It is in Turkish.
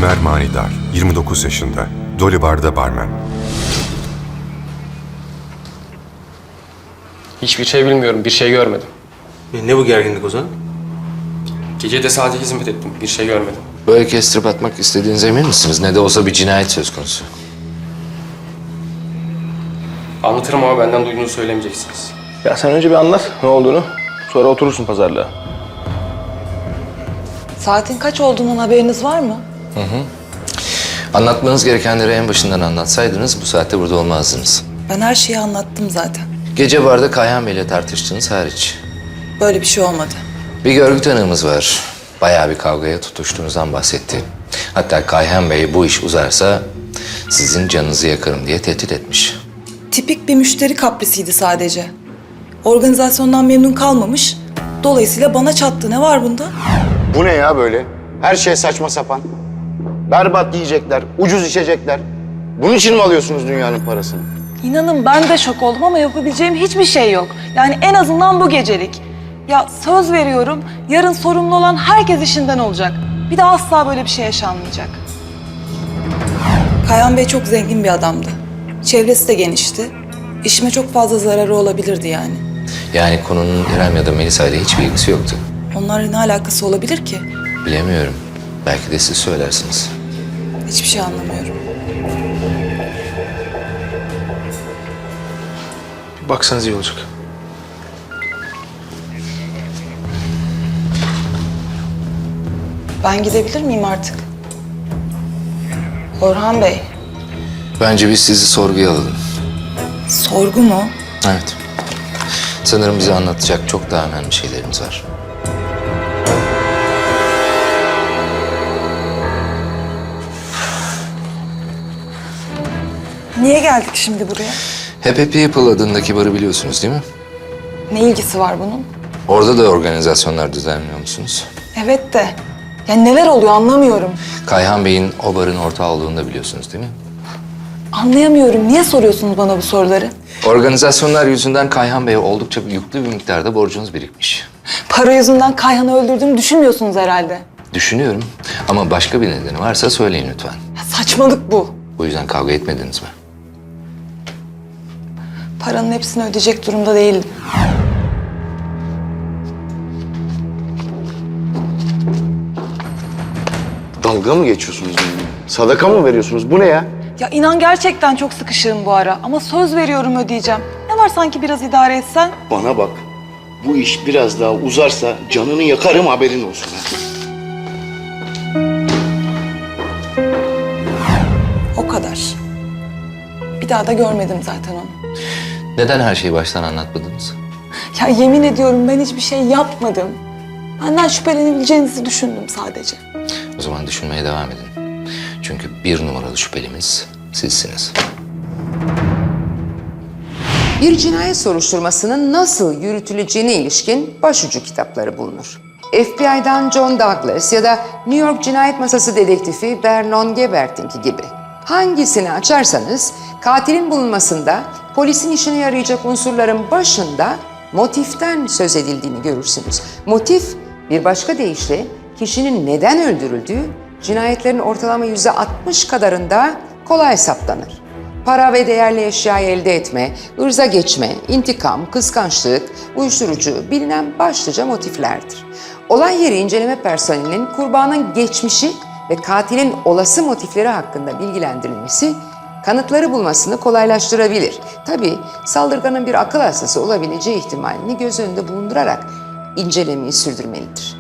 Ömer Manidar, 29 yaşında. Dolly Bar'da barmen. Hiçbir şey bilmiyorum, bir şey görmedim. Ne bu gerginlik o zaman? Gece de sadece hizmet ettim, bir şey görmedim. Böyle kestirip atmak istediğinize emin misiniz? Ne de olsa bir cinayet söz konusu. Anlatırım ama benden duyduğunu söylemeyeceksiniz. Ya sen önce bir anlat ne olduğunu. Sonra oturursun pazarlığa. Saatin kaç olduğundan haberiniz var mı? Anlatmanız gerekenleri en başından anlatsaydınız bu saatte burada olmazdınız. Ben her şeyi anlattım zaten. Gece barda Kayhan Bey'le tartıştığınız hariç. Böyle bir şey olmadı. Bir görgü tanığımız var. Bayağı bir kavgaya tutuştuğunuzdan bahsetti. Hatta Kayhan Bey bu iş uzarsa sizin canınızı yakarım diye tehdit etmiş. Tipik bir müşteri kaprisiydi sadece. Organizasyondan memnun kalmamış. Dolayısıyla bana çattı. Ne var bunda? Bu ne ya böyle? Her şey saçma sapan. Berbat yiyecekler, ucuz içecekler. Bunun için mi alıyorsunuz dünyanın parasını? İnanın ben de şok oldum ama yapabileceğim hiçbir şey yok. Yani en azından bu gecelik. Ya söz veriyorum, yarın sorumlu olan herkes işinden olacak. Bir daha asla böyle bir şey yaşanmayacak. Kayhan Bey çok zengin bir adamdı. Çevresi de genişti. İşime çok fazla zararı olabilirdi yani. Yani konunun İrem ya da Melisa ile hiçbir ilgisi yoktu. Onlarla ne alakası olabilir ki? Bilemiyorum. Belki de siz söylersiniz. Hiçbir şey anlamıyorum. Bir baksanız iyi olacak. Ben gidebilir miyim artık? Orhan Bey, Bence biz sizi sorguya alalım. sorgu mu? Evet. Sanırım bize anlatacak çok daha önemli şeylerimiz var. Niye geldik şimdi buraya? Happy People adındaki barı biliyorsunuz değil mi? Ne ilgisi var bunun? Orada da organizasyonlar düzenliyor musunuz? Evet de, ya neler oluyor anlamıyorum. Kayhan Bey'in o barın ortağı olduğunu da biliyorsunuz değil mi? Anlayamıyorum. Niye soruyorsunuz bana bu soruları? Organizasyonlar yüzünden Kayhan Bey'e oldukça yüklü bir miktarda borcunuz birikmiş. Para yüzünden Kayhan'ı öldürdüğümü düşünmüyorsunuz herhalde. Düşünüyorum ama başka bir nedeni varsa söyleyin lütfen. Ya saçmalık bu. Bu yüzden kavga etmediniz mi? Paranın hepsini ödeyecek durumda değildim. Dalga mı geçiyorsunuz benimle? Sadaka mı veriyorsunuz? Bu ne ya? Ya inan gerçekten çok sıkışığım bu ara ama söz veriyorum ödeyeceğim. Ne var sanki biraz idare etsen? Bana bak. Bu iş biraz daha uzarsa canını yakarım haberin olsun ha. O kadar. Bir daha da görmedim zaten onu. Neden her şeyi baştan anlatmadınız? Ya yemin ediyorum ben hiçbir şey yapmadım. Benden şüphelenebileceğinizi düşündüm sadece. O zaman düşünmeye devam edin. Çünkü bir numaralı şüphelimiz sizsiniz. Bir cinayet soruşturmasının nasıl yürütüleceğine ilişkin başucu kitapları bulunur. FBI'dan John Douglas ya da New York Cinayet Masası dedektifi Vernon Gebert'inki gibi. Hangisini açarsanız katilin bulunmasında polisin işine yarayacak unsurların başında motiften söz edildiğini görürsünüz. Motif bir başka deyişle kişinin neden öldürüldüğü cinayetlerin ortalama %60 kadarında kolay saptanır. Para ve değerli eşyayı elde etme, ırza geçme, intikam, kıskançlık, uyuşturucu bilinen başlıca motiflerdir. Olay yeri inceleme personelinin kurbanın geçmişi ve katilin olası motifleri hakkında bilgilendirilmesi kanıtları bulmasını kolaylaştırabilir. Tabii saldırganın bir akıl hastası olabileceği ihtimalini göz önünde bulundurarak incelemeyi sürdürmelidir.